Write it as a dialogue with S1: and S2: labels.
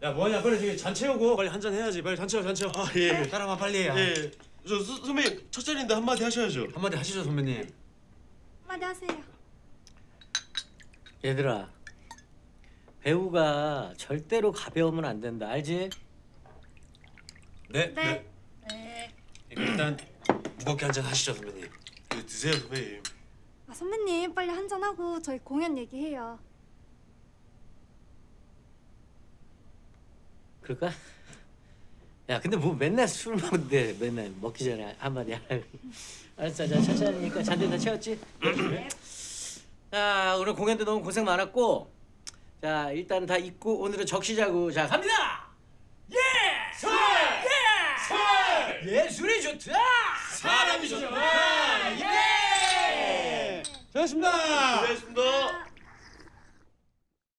S1: 야 뭐하냐 빨리 저기 잔 채우고 빨리 한잔 해야지. 빨리 잔 채워 잔 채워.
S2: 아 예.
S1: 따라와 빨리.
S2: 예. 저 선배님 첫 자리인데 한마디 하셔야죠.
S1: 한마디 하시죠 선배님.
S3: 한마디 하세요.
S4: 얘들아, 배우가 절대로 가벼우면 안 된다, 알지?
S1: 네.
S3: 네.
S1: 일단 무겁게 한잔 하시죠 선배님.
S2: 네, 드세요 선배님.
S3: 아, 선배님 빨리 한잔 하고 저희 공연 얘기해요.
S4: 그럴까? 야, 근데 뭐 맨날 술 먹는데 맨날 먹기 전에 한마디 하라. 알았어, 자 천천히니까 잔들 다 채웠지? 자, 오늘 공연도 너무 고생 많았고, 자 일단 다 잊고 오늘은 적시자고. 자 갑니다. 예! 설! 예! 설! 예술이 좋다.
S1: 사람이 좋다. 예! 수고하셨습니다.
S2: 고생하셨습니다.